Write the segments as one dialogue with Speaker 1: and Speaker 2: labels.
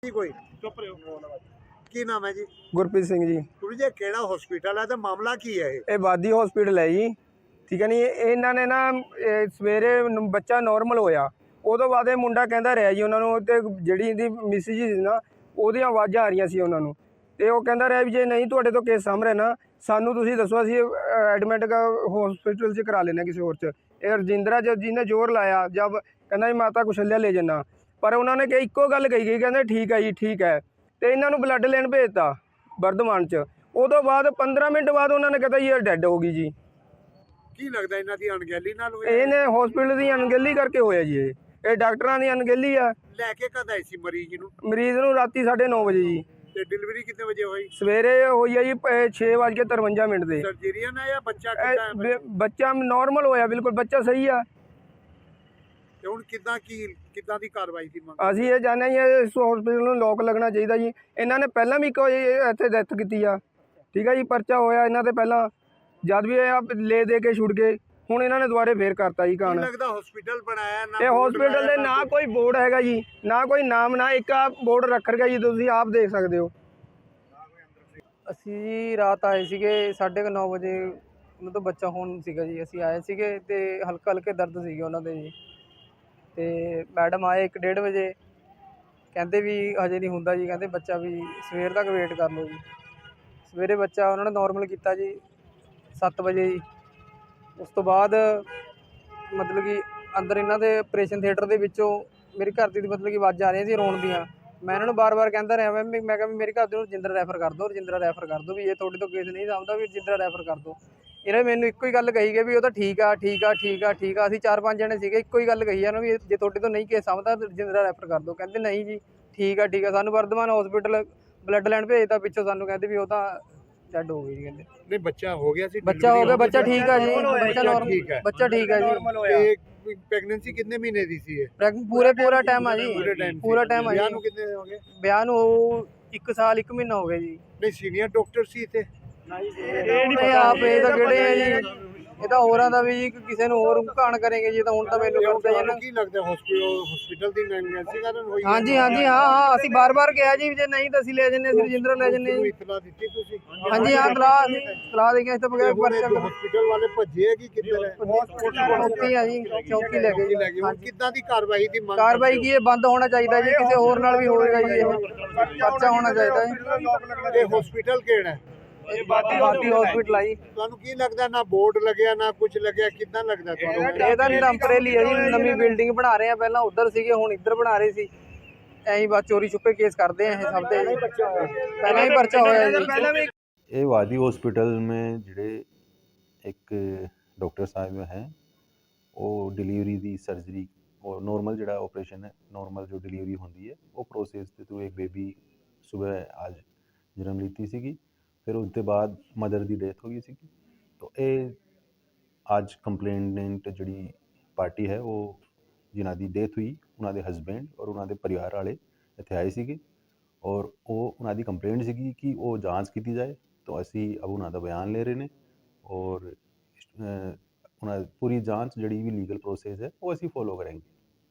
Speaker 1: कोई चुप रहे हो की नाम है जी?
Speaker 2: गुरप्रीत सिंह जी।
Speaker 1: गुरु जी केड़ा हॉस्पिटल है तो मामला की है
Speaker 2: ये वादी हॉस्पिटल है जी। ठीक है नी, इन्होंने ना सवेरे बच्चा नॉर्मल होया, उदों बाद ये मुंडा कहता रहा जी उन्होंने ते जिहड़ी इहदी मिसिज सी ना ਉਹਦੀਆਂ ਆਵਾਜ਼ਾਂ ਆ ਰਹੀਆਂ ਸੀ ਉਹਨਾਂ ਨੂੰ ਤੇ ਉਹ ਕਹਿੰਦਾ ਰਿਹਾ ਵੀ ਜੇ ਨਹੀਂ ਤੁਹਾਡੇ ਤੋਂ ਕੇਸ ਸਾਹਮਣੇ ਨਾ ਸਾਨੂੰ ਤੁਸੀਂ ਦੱਸੋ ਅਸੀਂ ਐਡਮਿਟ ਹਸਪੀਟਲ 'ਚ ਕਰਾ ਲੈਣਾ ਕਿਸੇ ਹੋਰ 'ਚ। ਇਹ ਰਜਿੰਦਰਾ ਜਿਹਨੇ ਜ਼ੋਰ ਲਾਇਆ ਜਦ ਕਹਿੰਦਾ ਜੀ ਮਾਤਾ ਕੁਸ਼ਲਿਆ ਲੈ ਜਾਣਾ, ਪਰ ਉਹਨਾਂ ਨੇ ਕਿ ਇੱਕੋ ਗੱਲ ਕਹੀ ਗਈ, ਕਹਿੰਦੇ ਠੀਕ ਹੈ ਜੀ ਠੀਕ ਹੈ, ਤੇ ਇਹਨਾਂ ਨੂੰ ਬਲੱਡ ਲੈਣ ਭੇਜਤਾ ਵਰਧਮਾਨ 'ਚ। ਉਦੋਂ ਬਾਅਦ 15 ਮਿੰਟ ਬਾਅਦ ਉਹਨਾਂ ਨੇ ਕਹਿੰਦਾ ਜੀ ਇਹ ਡੈੱਡ ਹੋ ਗਈ ਜੀ।
Speaker 1: ਕੀ ਲੱਗਦਾ ਇਹਨਾਂ ਦੀ ਅਣਗਹਿਲੀ ਨਾਲ ਹੋਇਆ?
Speaker 2: ਇਹਨੇ ਹਸਪੀਟਲ ਦੀ ਅਣਗਹਿਲੀ ਕਰਕੇ ਹੋਇਆ ਜੀ। ਇਹ ਡਾਕਟਰਾਂ ਦੀ ਅਣਗਹਿਲੀ ਆ।
Speaker 1: ਲੈ ਕੇ ਕਦ ਆਈ ਸੀ ਮਰੀਜ਼ ਨੂੰ?
Speaker 2: ਮਰੀਜ਼ ਨੂੰ ਰਾਤੀ 9:30 ਵਜੇ ਜੀ।
Speaker 1: ਤੇ ਡਿਲੀਵਰੀ ਕਿੰਨੇ ਵਜੇ ਹੋਈ?
Speaker 2: ਸਵੇਰੇ ਹੋਈ ਆ ਜੀ 6:53 ਦੇ।
Speaker 1: ਸਰਜਰੀਅਨ ਹੈ ਜਾਂ ਬੱਚਾ ਕਿੱਦਾਂ ਹੈ?
Speaker 2: ਬੱਚਾ ਨਾਰਮਲ ਹੋਇਆ, ਬਿਲਕੁਲ ਬੱਚਾ ਸਹੀ ਆ।
Speaker 1: ਤੇ ਹੁਣ ਕਿੱਦਾਂ ਦੀ ਕਾਰਵਾਈ ਦੀ ਮੰਗ?
Speaker 2: ਅਸੀਂ ਇਹ ਚਾਹੁੰਦੇ ਹਾਂ ਜੀ ਇਸ ਹਸਪੀਟਲ ਨੂੰ ਲੋਕ ਲੱਗਣਾ ਚਾਹੀਦਾ ਜੀ। ਇਹਨਾਂ ਨੇ ਪਹਿਲਾਂ ਵੀ ਕੋਈ ਇੱਥੇ ਡੈਥ ਕੀਤੀ ਆ, ਠੀਕ ਹੈ ਜੀ, ਪਰਚਾ ਹੋਇਆ ਇਹਨਾਂ ਤੇ ਪਹਿਲਾਂ, ਜਦ ਵੀ ਇਹ ਲੈ ਦੇ ਕੇ ਛੁੱਟ ਗਏ, ਹੁਣ ਇਹਨਾਂ ਨੇ ਦੁਬਾਰੇ ਫੇਰ ਕਰਤਾ ਜੀ ਕਾਣ।
Speaker 1: ਲੱਗਦਾ ਹਸਪੀਟਲ ਬਣਾਇਆ ਨਾ,
Speaker 2: ਇਹ ਹਸਪੀਟਲ ਦੇ ਨਾ ਕੋਈ ਬੋਰਡ ਹੈਗਾ ਜੀ, ਨਾ ਕੋਈ ਨਾਮ, ਨਾ ਇੱਕ ਆ ਬੋਰਡ ਰੱਖ ਰਿਹਾ ਜੀ, ਤੁਸੀਂ ਆਪ ਦੇਖ ਸਕਦੇ ਹੋ।
Speaker 3: ਅਸੀਂ ਜੀ ਰਾਤ ਆਏ ਸੀਗੇ 9:30 ਵਜੇ, ਉਹਨਾਂ ਤੋਂ ਬੱਚਾ ਹੋਣ ਸੀਗਾ ਜੀ। ਅਸੀਂ ਆਏ ਸੀਗੇ ਤੇ ਹਲਕੇ ਦਰਦ ਸੀਗੇ ਉਹਨਾਂ ਦੇ ਜੀ। ਤੇ ਮੈਡਮ ਆਏ 1:30 ਵਜੇ, ਕਹਿੰਦੇ ਵੀ ਹਜੇ ਨਹੀਂ ਹੁੰਦਾ ਜੀ, ਕਹਿੰਦੇ ਬੱਚਾ ਵੀ ਸਵੇਰ ਤੱਕ ਵੇਟ ਕਰ ਲਓ ਜੀ। ਸਵੇਰੇ ਬੱਚਾ ਉਹਨਾਂ ਨੇ ਨੋਰਮਲ ਕੀਤਾ ਜੀ 7 ਵਜੇ ਜੀ। ਉਸ ਤੋਂ ਬਾਅਦ ਮਤਲਬ ਕਿ ਅੰਦਰ ਇਹਨਾਂ ਦੇ ਆਪਰੇਸ਼ਨ ਥੀਏਟਰ ਦੇ ਵਿੱਚੋਂ ਮੇਰੇ ਘਰ ਦੀ ਮਤਲਬ ਕਿ ਆਵਾਜ਼ਾਂ ਆ ਰਹੀਆਂ ਸੀ ਰੋਣ ਦੀਆਂ। ਮੈਂ ਇਹਨਾਂ ਨੂੰ ਬਾਰ-ਬਾਰ ਕਹਿੰਦਾ ਰਿਹਾ, ਮੈਂ ਕਿਹਾ ਵੀ ਮੇਰੇ ਘਰ ਦੇ ਨੂੰ ਰਜਿੰਦਰਾ ਰੈਫਰ ਕਰ ਦਿਓ, ਰਜਿੰਦਰਾ ਰੈਫਰ ਕਰ ਦਿਓ, ਵੀ ਇਹ ਤੁਹਾਡੇ ਤੋਂ ਕੇਸ ਨਹੀਂ ਸਮਝਦਾ, ਵੀ ਰਜਿੰਦਰਾ ਰੈਫਰ ਕਰ ਦਿਓ। ਇਹਨੇ ਮੈਨੂੰ ਇੱਕੋ ਹੀ ਗੱਲ ਕਹੀ ਗਈ ਵੀ ਉਹ ਤਾਂ ਠੀਕ ਆ ਠੀਕ ਆ ਠੀਕ ਆ ਠੀਕ ਆ। ਅਸੀਂ 4-5 ਜਣੇ ਸੀਗੇ, ਇੱਕੋ ਹੀ ਗੱਲ ਕਹੀ ਇਹਨਾਂ ਵੀ ਜੇ ਤੁਹਾਡੇ ਤੋਂ ਨਹੀਂ ਕੇਸ ਸਮਝਦਾ ਰਜਿੰਦਰਾ ਰੈਫਰ ਕਰ ਦਿਓ। ਕਹਿੰਦੇ ਨਹੀਂ ਜੀ ਠੀਕ ਆ ਠੀਕ ਆ। ਸਾਨੂੰ ਵਰਧਮਾਨ ਹਸਪੀਟਲ ਬਲੱਡ ਲੈਣ ਭੇਜਤਾ, ਪਿੱਛੋਂ ਸਾਨੂੰ ਕਹਿੰਦੇ ਵੀ ਉਹ ਤਾਂ ਡੈਡ ਹੋ ਗਈ ਜੀ। ਕਹਿੰਦੇ
Speaker 1: ਨਹੀਂ ਬੱਚਾ ਹੋ ਗਿਆ ਸੀ?
Speaker 3: ਬੱਚਾ ਹੋ ਗਿਆ, ਬੱਚਾ ਠੀਕ ਆ ਜੀ, ਬੱਚਾ ਨੋਰਮਲ, ਬੱਚਾ ਠੀਕ ਆ ਜੀ।
Speaker 1: ਤੇ ਪ੍ਰੈਗਨੈਂਸੀ ਕਿੰਨੇ ਮਹੀਨੇ ਦੀ ਸੀ ਇਹ?
Speaker 3: ਪੂਰਾ ਟਾਈਮ ਆ ਜੀ, ਪੂਰਾ ਟਾਈਮ ਆ ਜੀ।
Speaker 1: ਵਿਆਹ ਨੂੰ ਕਿੰਨੇ ਹੋ ਗਏ?
Speaker 3: ਵਿਆਹ ਨੂੰ 1 ਸਾਲ 1 ਮਹੀਨਾ ਹੋ ਗਿਆ ਜੀ।
Speaker 1: ਨਹੀਂ ਸੀਨੀਅਰ ਡਾਕਟਰ ਸੀ ਇੱਥੇ?
Speaker 3: ਇਹ ਆਪ ਇਹ ਤਾਂ ਕਿਹੜੇ ਆ ਜੀ, ਇਹ ਤਾਂ ਹੋਰਾਂ ਦਾ ਵੀ ਜੀ ਕਿਸੇ ਨੂੰ ਹੋਰ ਘਾਣ ਕਰੇਗੇ ਜੀ। ਤਾਂ ਹੁਣ ਤਾਂ ਮੈਨੂੰ ਕਹਿੰਦੇ ਜੀ ਨਾ,
Speaker 1: ਕੀ ਲੱਗਦਾ ਹਸਪੀਟਲ ਦੀ ਨੈਗਲੀਜੈਂਸੀ ਕਾਰਨ ਹੋਈ?
Speaker 3: ਹਾਂਜੀ ਹਾਂ ਅਸੀਂ ਬਾਰ-ਬਾਰ ਕਿਹਾ ਜੀ ਜੇ ਨਹੀਂ ਤਾਂ ਅਸੀਂ ਲੈ ਜੰਨੇ, ਅਸੀਂ ਰਜਿੰਦਰਾ ਲੈ ਜੰਨੇ ਜੀ।
Speaker 1: ਇਤਲਾ ਦਿੱਤੀ ਤੁਸੀਂ?
Speaker 3: ਹਾਂਜੀ ਹਾਂ ਤਲਾਹ ਦੇ ਕੇ ਇਸ ਤੋਂ ਬਗੈਰ ਪਰਚਾ
Speaker 1: ਹਸਪੀਟਲ ਵਾਲੇ ਭੱਜੇ ਆ ਕਿ ਕਿੱਧਰ ਹੈ?
Speaker 3: ਚੌਕੀ ਆ ਜੀ, ਚੌਕੀ ਲੈ ਗਏ ਜੀ।
Speaker 1: ਹੁਣ ਕਿੱਦਾਂ ਦੀ ਕਾਰਵਾਈ ਦੀ ਮੰਗ?
Speaker 3: ਕਾਰਵਾਈ ਕੀ ਇਹ ਬੰਦ ਹੋਣਾ ਚਾਹੀਦਾ ਜੀ, ਕਿਸੇ ਹੋਰ ਨਾਲ ਵੀ ਹੋਵੇਗਾ ਜੀ, ਇਹ ਪਰਚਾ ਹੋਣਾ ਚਾਹੀਦਾ ਜੀ।
Speaker 1: ਇਹ ਹਸਪੀਟਲ ਕਿਹੜਾ ਹੈ?
Speaker 3: ਇਹ ਵਾਦੀ ਹਸਪੀਟਲ ਆ ਜੀ।
Speaker 1: ਤੁਹਾਨੂੰ ਕੀ ਲੱਗਦਾ ਨਾ ਬੋਰਡ ਲੱਗਿਆ ਨਾ ਕੁਝ ਲੱਗਿਆ, ਕਿੱਦਾਂ ਲੱਗਦਾ ਤੁਹਾਨੂੰ?
Speaker 3: ਇਹ ਤਾਂ ਟੈਂਪਰੇਰੀ ਹੈ ਜੀ, ਨਵੀਂ ਬਿਲਡਿੰਗ ਬਣਾ ਰਹੇ ਆ, ਪਹਿਲਾਂ ਉੱਧਰ ਸੀਗੇ ਹੁਣ ਇੱਧਰ ਬਣਾ ਰਹੇ ਸੀ। ਐਂ ਬਸ ਚੋਰੀ ਛੁਪੇ ਕੇਸ ਕਰਦੇ ਆ ਇਹ ਸਭ ਦੇ, ਪਹਿਲਾਂ ਹੀ ਪਰਚਾ ਹੋਇਆ ਜੀ।
Speaker 4: ये वादी हॉस्पिटल में ਜਿਹੜੇ ਇੱਕ ਡਾਕਟਰ ਸਾਹਿਬ ਹੈ ਉਹ ਡਿਲੀਵਰੀ ਦੀ ਸਰਜਰੀ ਉਹ ਨੋਰਮਲ ਜਿਹੜਾ ਆਪਰੇਸ਼ਨ ਹੈ, ਨੋਰਮਲ ਜੋ ਡਿਲੀਵਰੀ ਹੁੰਦੀ ਹੈ ਉਹ ਪ੍ਰੋਸੈਸ ਦੇ ਥਰੂ ਇੱਕ ਬੇਬੀ ਸਵੇਰ ਅੱਜ ਜਨਮ ਲੀਤੀ ਸੀਗੀ। ਫਿਰ ਉਸ ਤੋਂ ਬਾਅਦ ਮਦਰ ਦੀ ਡੈਥ ਹੋ ਗਈ ਸੀਗੀ। ਤਾਂ ਇਹ ਅੱਜ ਕੰਪਲੇਨੈਂਟ ਜਿਹੜੀ ਪਾਰਟੀ ਹੈ ਉਹ ਜਿਨ੍ਹਾਂ ਦੀ ਡੈਥ ਹੋਈ ਉਹਨਾਂ ਦੇ ਹਸਬੈਂਡ ਔਰ ਉਹਨਾਂ ਦੇ ਪਰਿਵਾਰ ਵਾਲੇ ਇੱਥੇ ਆਏ ਸੀਗੇ ਔਰ ਉਹ ਉਹਨਾਂ ਦੀ ਕੰਪਲੇਂਟ ਸੀਗੀ ਕਿ ਉਹ ਜਾਂਚ ਕੀਤੀ ਜਾਏ। तो असी अब उन्होंने बयान ले रहे हैं और उन्होंने पूरी जांच जी भी लीगल प्रोसेस है वो असी फॉलो करेंगे।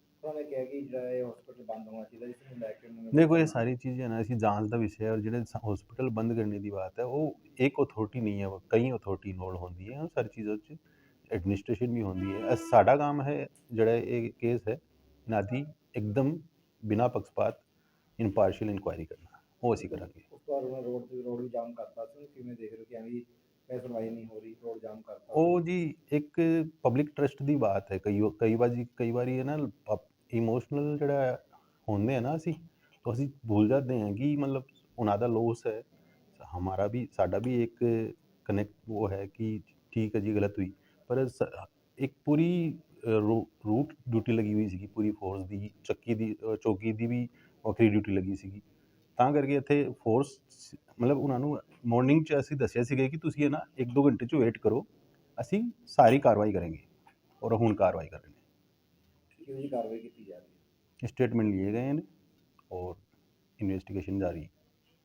Speaker 4: देखो ये सारी चीज़ें ना असी जांच का विषय है और जो हॉस्पिटल बंद करने की बात है वो एक अथॉरिटी नहीं है, कई अथॉरिटी इन्वॉल्व होती है सारी चीज़ों एडमिनिस्ट्रेशन भी होती है। साडा काम है जोड़ा ये केस है इन्हों की एकदम बिना पक्षपात इनपार्शियल इंक्वायरी करना वो असी करांगे।
Speaker 5: रोड जाम करता किवें देख रहे हो कि अभी सुनवाई नहीं हो रही, रोड जाम करता
Speaker 4: ਉਹ ਜੀ ਇੱਕ ਪਬਲਿਕ ਟਰਸਟ ਦੀ ਬਾਤ ਹੈ। ਕਈ ਵਾਰੀ ਹੈ ਨਾ ਇਮੋਸ਼ਨਲ ਜਿਹੜਾ ਹੁੰਦੇ ਆ ਨਾ ਅਸੀਂ ਤਾਂ ਅਸੀਂ ਭੁੱਲ ਜਾਂਦੇ ਹਾਂ ਕਿ ਮਤਲਬ ਉਹਨਾਂ ਦਾ ਲੋਸ ਹੈ, ਹਮਾਰਾ ਵੀ ਸਾਡਾ ਵੀ ਇੱਕ ਕਨੈਕਟ ਉਹ ਹੈ ਕਿ ਠੀਕ ਹੈ ਜੀ ਗਲਤ ਹੋਈ, ਪਰ ਇੱਕ ਪੂਰੀ ਰੂਟ ਡਿਊਟੀ ਲੱਗੀ ਹੋਈ ਸੀਗੀ ਪੂਰੀ ਫੋਰਸ ਦੀ, ਚੌਕੀ ਦੀ ਵੀ ਵੱਖਰੀ ਡਿਊਟੀ ਲੱਗੀ ਸੀਗੀ। ਤਾਂ ਕਰਕੇ ਇੱਥੇ ਫੋਰਸ ਮਤਲਬ ਉਹਨਾਂ ਨੂੰ ਮਾਰਨਿੰਗ 'ਚ ਅਸੀਂ ਦੱਸਿਆ ਸੀਗਾ ਕਿ ਤੁਸੀਂ ਇਹ ਨਾ 1-2 ਘੰਟੇ 'ਚ ਵੇਟ ਕਰੋ, ਅਸੀਂ ਸਾਰੀ ਕਾਰਵਾਈ ਕਰਾਂਗੇ ਔਰ ਹੁਣ ਕਾਰਵਾਈ ਕਰ ਰਹੇ ਨੇ।
Speaker 5: ਕਾਰਵਾਈ ਕੀਤੀ ਜਾ ਰਹੀ ਹੈ,
Speaker 4: स्टेटमेंट लिए गए हैं और इन्वेस्टिगेशन जारी है।